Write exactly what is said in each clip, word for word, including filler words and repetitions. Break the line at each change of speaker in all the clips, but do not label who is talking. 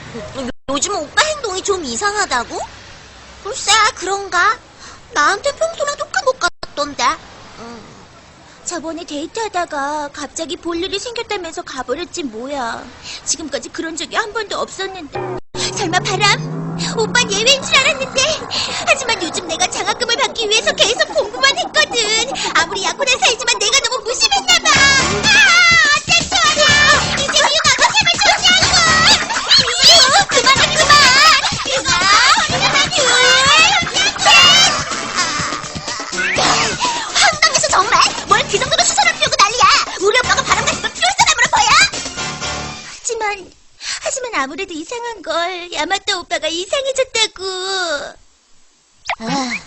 요즘 오빠 행동이 좀 이상하다고? 글쎄, 그런가? 나한테 평소랑 똑같은 것 같던데. 음. 저번에 데이트하다가 갑자기 볼 일이 생겼다면서 가버렸지 뭐야. 지금까지 그런 적이 한 번도 없었는데. 설마 바람? 오빤 예외인 줄 알았는데. 하지만 요즘 내가 장학금을 받기 위해서 계속 공부만 했거든. 아무리 약혼한 사이지만 내가 너무 무심했나봐. 아, 어쩔 줄 알아. 이제 미운 아빠 제발 조지하고. 미우, 그만해 그만. 그만. 황당해서 정말. 뭘 그 정도로 수선을 피우고 난리야. 우리 오빠가 바람 같은 걸 피울 사람으로 보여? 하지만 하지만 아무래도 이상한 걸. 야마토 오빠가 이상해졌다고. 아.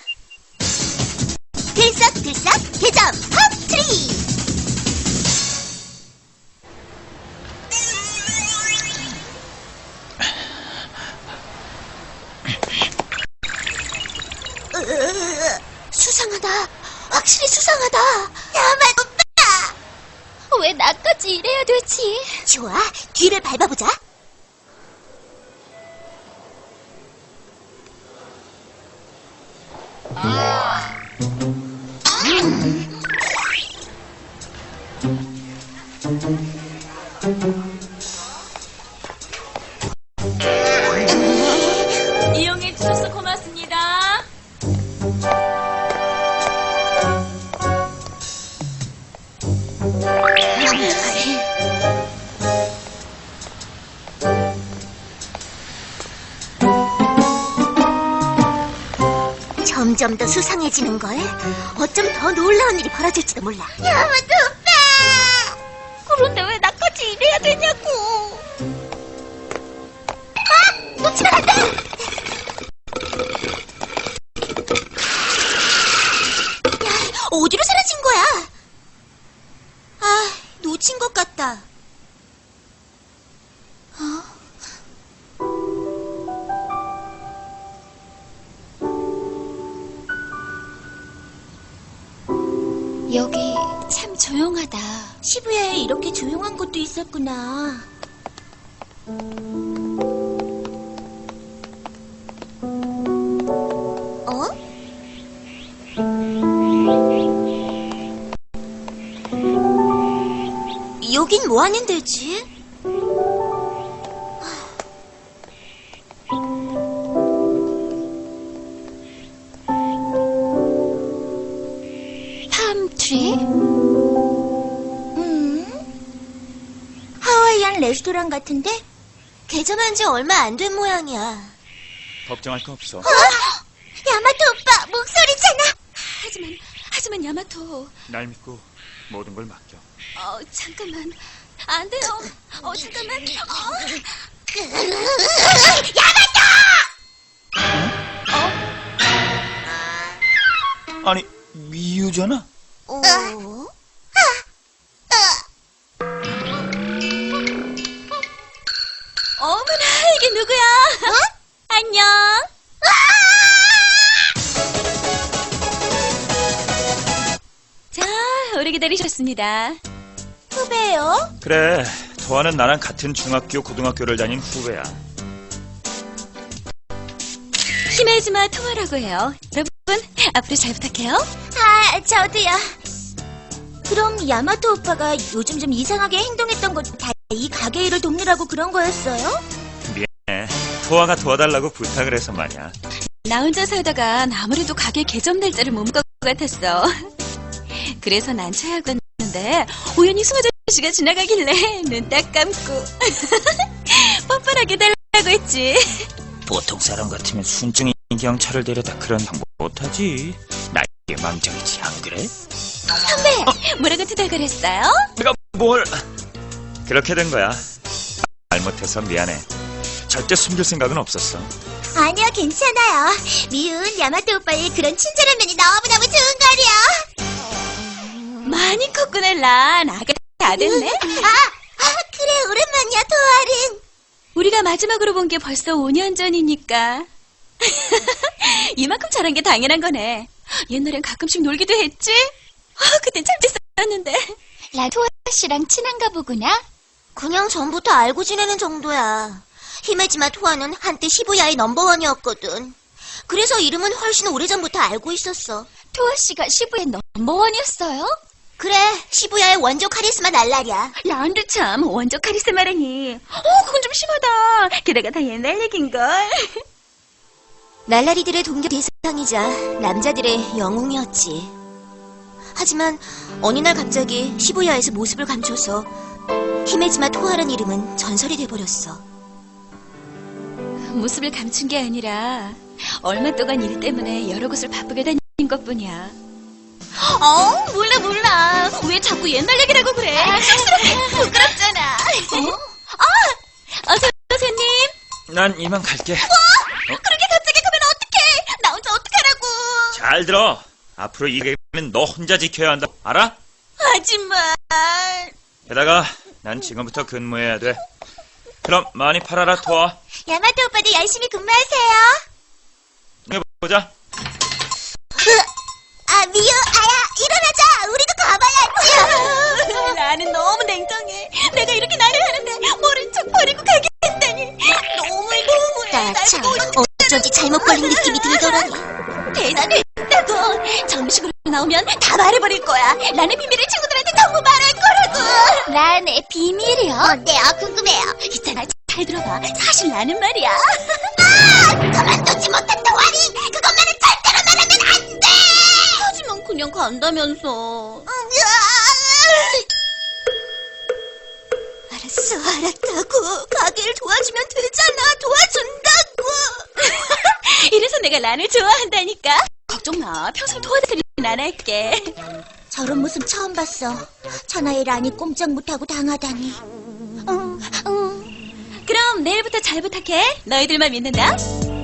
들썩들썩 개점 팝트리. 으, 수상하다. 확실히 수상하다. 야마토 오빠. 왜 나까지 이래야 되지? 좋아, 뒤를 밟아보자.
이용해 주셔서 고맙습니다.
점점 더 수상해지는 걸. 어쩜 더 놀라운 일이 벌어질지도 몰라. 야마토 오빠. 그런데 왜 나까지 이래야 되냐고. 아! 놓치면 안 돼! 야, 어디로 사라진 거야? 아, 놓친 것 같다. 어?
여기 참 조용하다.
시부야에 이렇게 조용한 곳도 있었구나. 어? 여긴 뭐 하는 데지?
팜트리?
음? 하와이안 레스토랑 같은데? 개점한 지 얼마 안 된 모양이야.
걱정할 거 없어.
어? 야마토 오빠 목소리잖아.
하지만, 하지만 야마토.
날 믿고 모든 걸 맡겨.
어, 잠깐만. 안 돼요. 어, 잠깐만. 어.
아니, 미유잖아?
어?
어머나, 이게 누구야?
어?
안녕. 자, 오래 기다리셨습니다.
후배요?
그래, 도아는 나랑 같은 중학교, 고등학교를 다닌 후배야.
히메즈마 토마라고 해요. 여러분, 앞으로 잘 부탁해요.
아, 저도요. 그럼 야마토 오빠가 요즘 좀 이상하게 행동했던 것도 다 이 가게 일을 돕느라고 그런 거였어요?
미안해. 도아가 도와달라고 부탁을 해서 말이야.
나 혼자 살다가 아무래도 가게 개점 날짜를 못 볼 것 같았어. 그래서 난 체하고 왔는데 우연히 승아저 씨가 지나가길래 눈 딱 감고 뻔뻔하게 달라고 했지.
보통 사람 같으면 순증인 경찰을 데려다 그런 방법 못하지. 나에게 망정이지, 안 그래?
선배, 뭐라고 투덜거렸어요?
내가 뭘... 그렇게 된 거야. 잘못해서 미안해. 절대 숨길 생각은 없었어.
아니요, 괜찮아요. 미운 야마토 오빠의 그런 친절한 면이 너무너무 좋은 거려.
많이 컸구나, 란. 아가 다 됐네.
아, 아, 그래, 오랜만이야, 도아린.
우리가 마지막으로 본 게 벌써 오 년 전이니까. 이만큼 잘한 게 당연한 거네. 옛날엔 가끔씩 놀기도 했지? 아, 그땐 참 재밌었는데.
라토아 씨랑 친한가 보구나?
그냥 전부터 알고 지내는 정도야. 히메지마 토아는 한때 시부야의 넘버원이었거든. 그래서 이름은 훨씬 오래전부터 알고 있었어.
토아 씨가 시부의 넘버원이었어요?
그래, 시부야의 원조 카리스마 날라리야.
란도 참 원조 카리스마라니. 어, 그건 좀 심하다. 게다가 다 옛날 얘긴걸.
날라리들의 동경 대상이자 남자들의 영웅이었지. 하지만 어느 날 갑자기 시부야에서 모습을 감춰서 히메지마 토아라는 이름은 전설이 돼버렸어.
모습을 감춘 게 아니라 얼마 동안 일 때문에 여러 곳을 바쁘게 다닌 것뿐이야. 어, 몰라 몰라. 왜 자꾸 옛날 얘기를 하고 그래? 쑥스럽게 부끄럽잖아. 어? 아, 어서 선생님.
난 이만 갈게.
그렇게 갑자기 가면 어떡해? 나 혼자 어떡하라고?
잘 들어. 앞으로 이 가게는 너 혼자 지켜야 한다. 알아?
하지만
게다가 난 지금부터 근무해야 돼. 그럼 많이 팔아라, 토아.
야마토 오빠도 열심히 근무하세요.
보자.
아, 미유, 아야, 일어나자. 우리도 가봐야지.
나는 너무 냉정해. 내가 이렇게 나를 하는데 모른 척 버리고 가겠다니. 너무해 너무해.
나 참, 어쩐지 잘못 걸린 느낌이 들더라니.
대단했다고. 정식으로 나오면 다 말해버릴 거야. 나의 비밀을 친구들한테 전부 말할 거라고.
나의 비밀이요? 어때요? 궁금해요.
있잖아, 잘 들어봐. 사실 나는 말이야.
아! 그만두지 못한 동아리! 그것만은 절대로 말하면 안 돼!
하지만 그냥 간다면서.
알았어, 알았다고. 가게를 도와주면 되잖아. 도와준다고.
이래서 내가 란을 좋아한다니까. 걱정 마. 평생 도와드리긴 안 할게.
저런 모습 처음 봤어. 천하의 란이 꼼짝 못하고 당하다니. 응, 응.
그럼 내일부터 잘 부탁해. 너희들만 믿는다.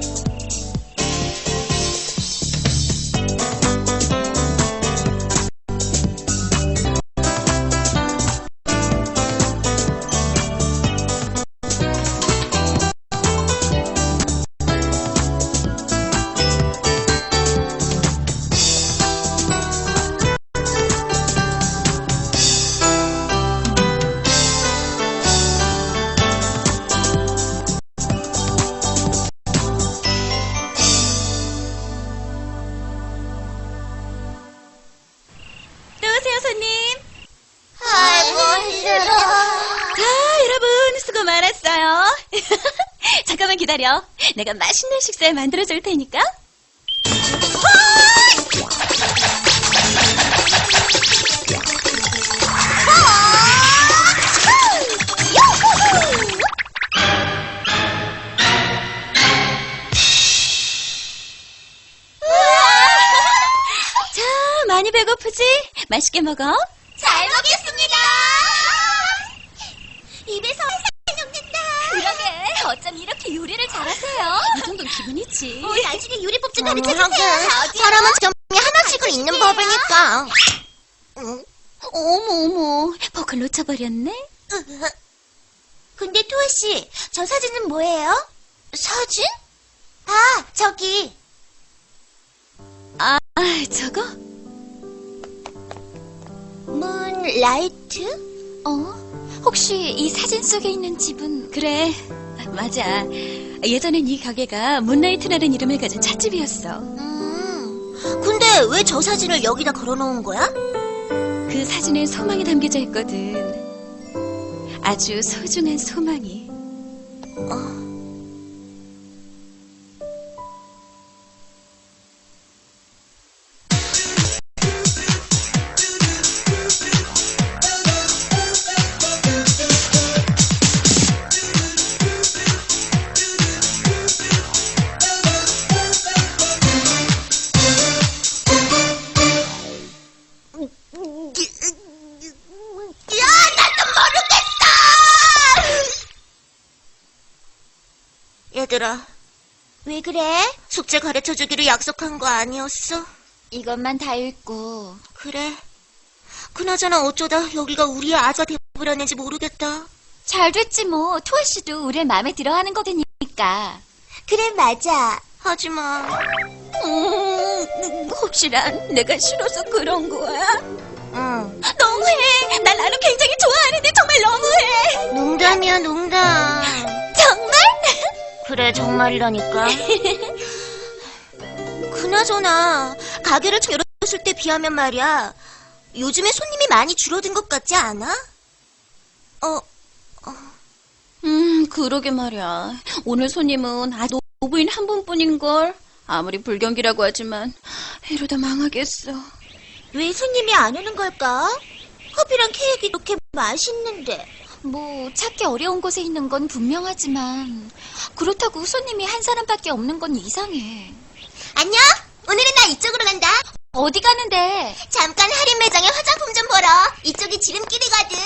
또 오세요, 손님.
아이고, 힘들어.
자, 여러분, 수고 많았어요. 잠깐만 기다려. 내가 맛있는 식사 만들어줄 테니까. 자, 많이 배고프지? 맛있게 먹어.
잘 먹겠습니다. 입에서 살살 녹는다.
그러게, 어쩜 이렇게 요리를 잘하세요? 이 정도는 기분이지.
우리 나중에 요리법좀 가르쳐주세요. 사람은 점이 하나씩은 있는 법이니까. 응?
어머, 어머, 버클 놓쳐버렸네?
근데 토아 씨, 저 사진은 뭐예요? 사진? 아, 저기.
아, 저거?
문라이트?
어? 혹시 이 사진 속에 있는 집은? 그래, 맞아. 예전엔 이 가게가 문라이트라는 이름을 가진 찻집이었어.
음, 근데 왜 저 사진을 여기다 걸어놓은 거야?
그 사진엔 소망이 담겨져 있거든. 아주 소중한 소망이.
어. 야, 나도 모르겠어! 얘들아, 왜 그래? 숙제 가르쳐주기로 약속한 거 아니었어?
이것만 다 읽고.
그래. 그나저나 어쩌다 여기가 우리의 아가 돼버렸는지 모르겠다.
잘 됐지 뭐. 토아 씨도 우리의 마음에 들어하는 거니까.
그래, 맞아. 하지만
음, 혹시 난 내가 싫어서 그런 거야?
응.
너무해. 난 나를 굉장히 좋아하는데 정말 너무해.
농담이야, 농담.
정말?
그래, 정말이라니까. 그나저나 가게를 처음 열었을 때 비하면 말이야, 요즘에 손님이 많이 줄어든 것 같지 않아? 어,
음, 그러게 말이야. 오늘 손님은 아직 노부인 한 분뿐인걸. 아무리 불경기라고 하지만 이러다 망하겠어.
왜 손님이 안 오는 걸까? 커피랑 케이크 이렇게 맛있는데.
뭐 찾기 어려운 곳에 있는 건 분명하지만 그렇다고 손님이 한 사람밖에 없는 건 이상해.
안녕? 오늘은 나 이쪽으로 간다.
어디 가는데?
잠깐 할인 매장에 화장품 좀 보러. 이쪽이 지름길이거든.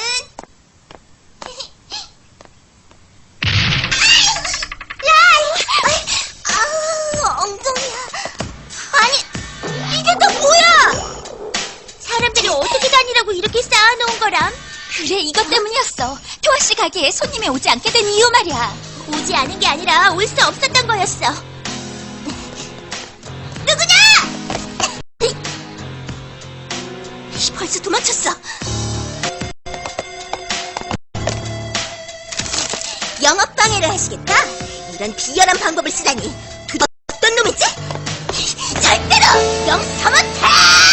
아우, 엉덩이야. 아니, 이게 또 뭐야? 사람들이 어떻게 다니라고 이렇게 쌓아놓은 거람?
그래, 이것 때문이었어. 토아 씨 가게에 손님이 오지 않게 된 이유 말이야.
오지 않은 게 아니라 올 수 없었던 거였어. 누구냐? 벌써 도망쳤어. 영업 방해를 하시겠다? 이런 비열한 방법을 쓰다니. 도대체 어떤 놈이지? 절대로 용서 못해!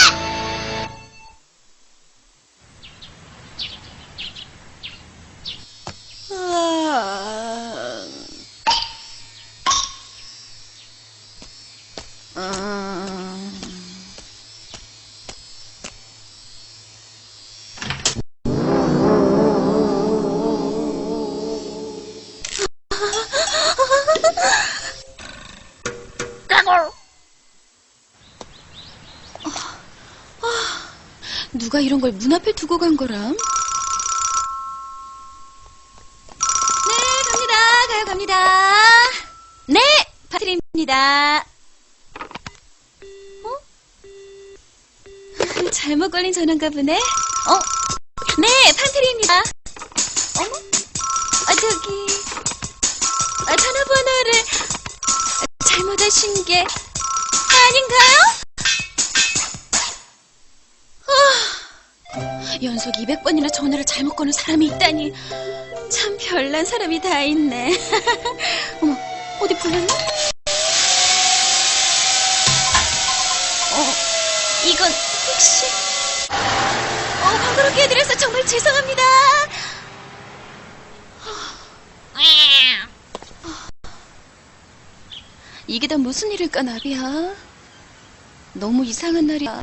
누가 이런 걸 문 앞에 두고 간 거람? 네, 갑니다. 가요, 갑니다. 네, 파트리입니다. 어? 잘못 걸린 전화인가 보네. 어? 네, 판트리입니다. 어머? 아, 저기, 아, 전화번호를 잘못하신 게 아닌가요? 연속 이백 번이나 전화를 잘못 거는 사람이 있다니. 참 별난 사람이 다 있네. 어머, 어디 불렀나? 어, 이건 혹시... 어, 번거롭게 해드려서 정말 죄송합니다. 이게 다 무슨 일일까, 나비야? 너무 이상한 날이야.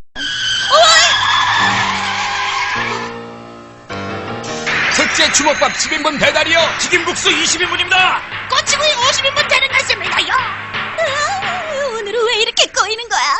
첫째 주먹밥 십 인분 배달이요. 튀김국수 이십 인분입니다.
꼬치구이 오십 인분 되는 것입니다요.
아, 오늘은 왜 이렇게 꼬이는 거야?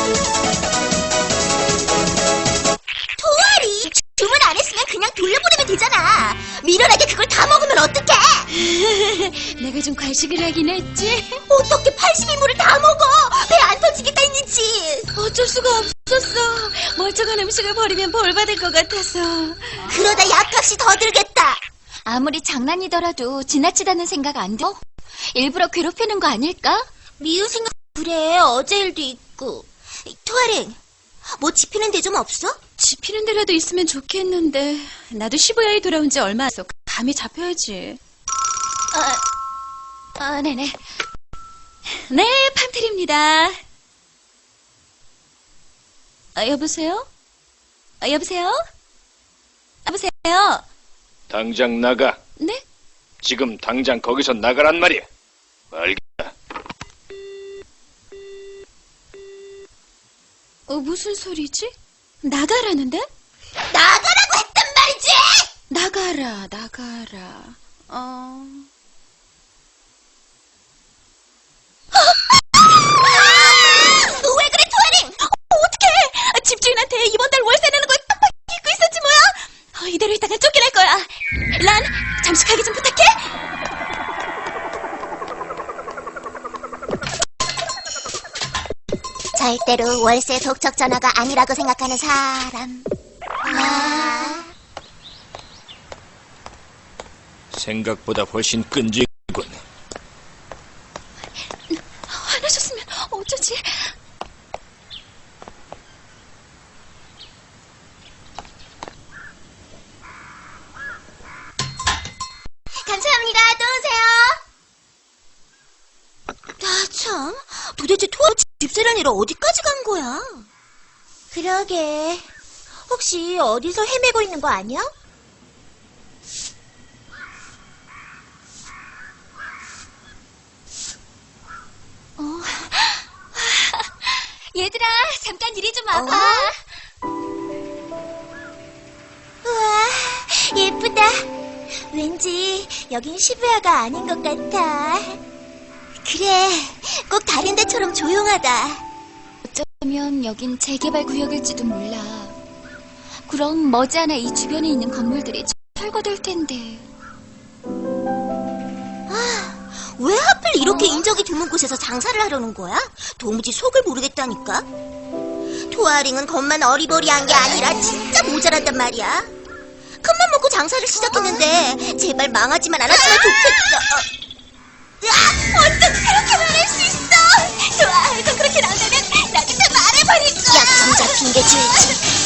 토아리, 주문 안 했으면 그냥 돌려보내면 되잖아. 미련하게 그걸 다 먹으면 어떡해?
내가 좀 과식을 하긴 했지.
어떻게 팔십 인분을 다 먹어? 배 안 터지겠다 했는지.
어쩔 수가 없었어. 멀쩡한 음식을 버리면 벌 받을 것 같아서.
그러다 약값이 더 들겠다.
아무리 장난이더라도 지나치다는 생각 안 들어? 일부러 괴롭히는 거 아닐까?
미운 생각 그래. 어제 일도 있고. 토아링, 뭐 집히는 데 좀 없어?
집히는 데라도 있으면 좋겠는데. 나도 시부야에 돌아온 지 얼마 안 돼서 감이 잡혀야지.
아, 아 네네.
네, 판트리입니다. 아, 여보세요? 아, 여보세요? 여보세요?
당장 나가.
네?
지금 당장 거기서 나가란 말이야. 알겠다.
어, 무슨 소리지? 나가라는데?
나가라고 했단 말이지!
나가라, 나가라. 어...
왜 그래, 토아링?
어떡해! 집주인한테 이번 달 월세 내는 걸 빡빡 잊고 있었지 뭐야? 어, 이대로 있다가 쫓겨날 거야. 란, 잠시 가게 좀 부탁해!
절대로 월세 독촉 전화가 아니라고 생각하는 사람. 아...
생각보다 훨씬 끈질군.
화나셨으면 어쩌지?
감사합니다. 또 오세요. 집세라니라 어디까지 간 거야? 그러게. 혹시 어디서 헤매고 있는 거 아니야?
얘들아, 잠깐 이리 좀 와봐.
어? 우와, 예쁘다. 왠지 여긴 시부야가 아닌 것 같아. 그래, 꼭 다른 데처럼 조용하다.
어쩌면 여긴 재개발 구역일지도 몰라. 그럼 머지않아 이 주변에 있는 건물들이 철거될 텐데.
왜 하필 이렇게 인적이 드문 곳에서 장사를 하려는 거야? 도무지 속을 모르겠다니까. 토아링은 겉만 어리버리한 게 아니라 진짜 모자란단 말이야. 큰맘 먹고 장사를 시작했는데 제발 망하지만 않았으면 좋겠어. 야, 어떻게 그렇게 말할 수 있어? 좋아, 너 그렇게 나온다면 나한테 말해버릴 거야. 약점자 핑계 줄지.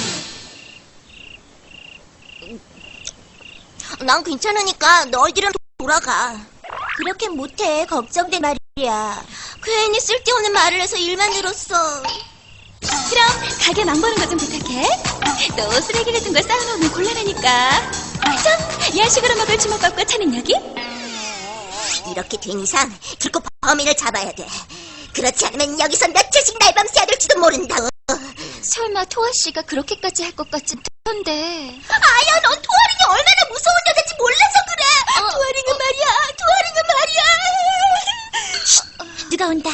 난 괜찮으니까 너희들은 돌아가. 그렇게 못해. 걱정돼 말이야. 괜히 쓸데없는 말을 해서 일만 늘었어.
그럼 가게 망보는 거 좀 부탁해. 또 쓰레기 같은 걸 쌓아놓으면 곤란하니까. 참, 야식으로 먹을 주먹밥과 차는 여기?
이렇게 된 이상 들고 범인을 잡아야 돼. 그렇지 않으면 여기서 며칠씩 날밤새야 될지도 모른다.
설마 토아 씨가 그렇게까지 할 것 같지 않던데.
아야, 넌 토아링이 얼마나 무서운 여자인지 몰라서 그래.
어,
토아링은 말이야. 토아링은 말이야. 쉿, 누가 온다.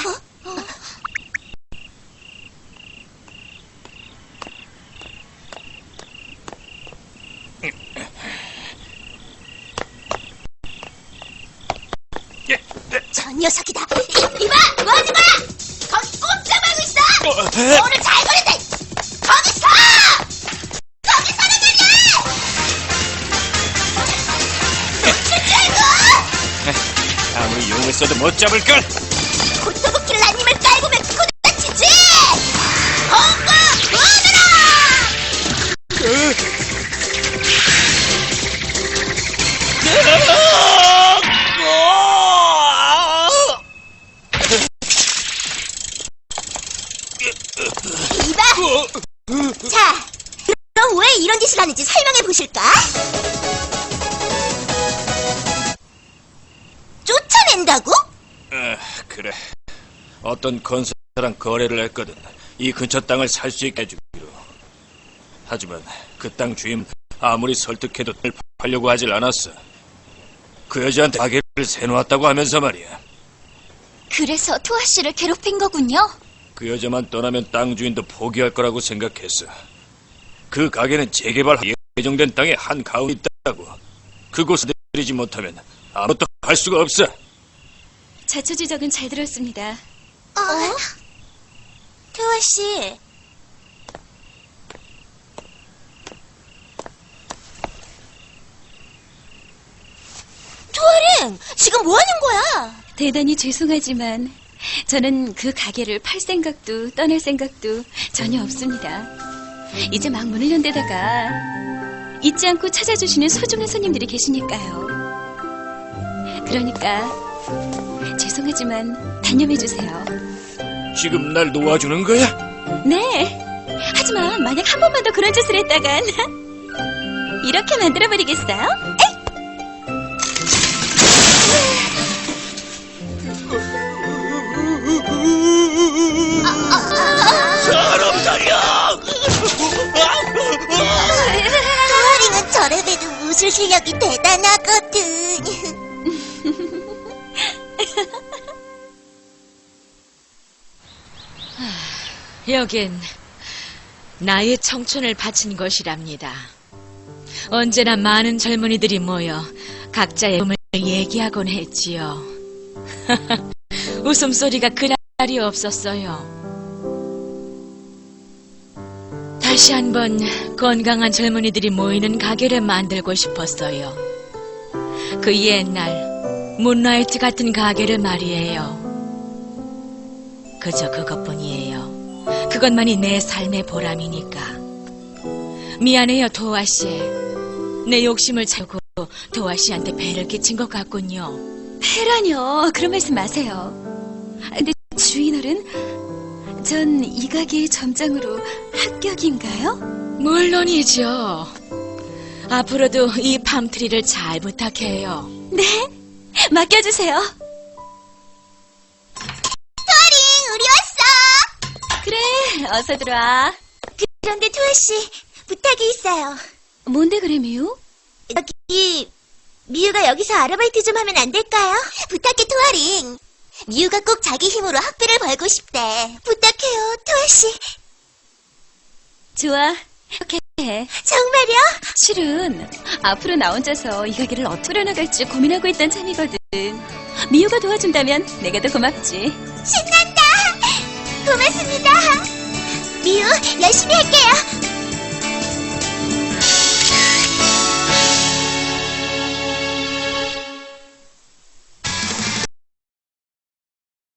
저 녀석이다. 이- 이봐, 뭐 하는 거야? 거기 꼼짝 말고 있어. 오늘 잘 걸린다. 거기 서! 거기 서는 말이야. 놓칠 줄 알고.
아무리 용을 써도 못 잡을걸.
고토부키를 한 입을 깔고면 그거 다치지. 홍구 오너라. 이봐. 자, 그럼 왜 이런 짓을 하는지 설명해 보실까? 쫓아낸다고?
아, 그래. 어떤 건설사랑 거래를 했거든. 이 근처 땅을 살 수 있게 해주기로. 하지만 그 땅 주인 아무리 설득해도 팔려고 하질 않았어. 그 여자한테 가게를 세놓았다고 하면서 말이야.
그래서 토아 씨를 괴롭힌 거군요.
그 여자만 떠나면 땅 주인도 포기할 거라고 생각했어. 그 가게는 재개발 예정된 땅에 한 가운데 있다고. 그곳을 내리지 못하면 아무것도 할 수가 없어.
자초지적은 잘 들었습니다.
어? 태화 씨. 토아링, 지금 뭐 하는 거야?
대단히 죄송하지만 저는 그 가게를 팔 생각도 떠날 생각도 전혀 없습니다. 이제 막 문을 연 데다가 잊지 않고 찾아주시는 소중한 손님들이 계시니까요. 그러니까 죄송하지만 단념해주세요.
지금 날 놓아주는 거야?
네. 하지만 만약 한 번만 더 그런 짓을 했다간 이렇게 만들어버리겠어요?
사람 살려!
토아링은 저래봬도 웃을 실력이 대단하거든.
여긴 나의 청춘을 바친 것이랍니다. 언제나 많은 젊은이들이 모여 각자의 꿈을 얘기하곤 했지요. 웃음소리가 그날이 없었어요. 다시 한번 건강한 젊은이들이 모이는 가게를 만들고 싶었어요. 그 옛날 문라이트 같은 가게를 말이에요. 그저 그것뿐이에요. 그것만이 내 삶의 보람이니까. 미안해요, 도아 씨. 내 욕심을 채우고 도아 씨한테 배를 끼친 것 같군요.
패라뇨. 그런 말씀 마세요. 근데 주인어른, 전 이 가게의 점장으로 합격인가요?
물론이죠. 앞으로도 이 팜트리를 잘 부탁해요.
네, 맡겨주세요.
토아링, 우리 왔어!
그래, 어서 들어와.
그런데 토아씨, 부탁이 있어요.
뭔데 그래, 미우?
여기, 미유가 여기서 아르바이트 좀 하면 안 될까요? 부탁해, 토아링. 미유가 꼭 자기 힘으로 학비를 벌고 싶대. 부탁해요, 토아씨.
좋아, 이렇게 해.
정말요?
실은 앞으로 나 혼자서 이 가게를 어떻게 나갈지 고민하고 있던 참이거든. 미우가 도와준다면 내가 더 고맙지.
신난다! 고맙습니다. 미유, 열심히 할게요.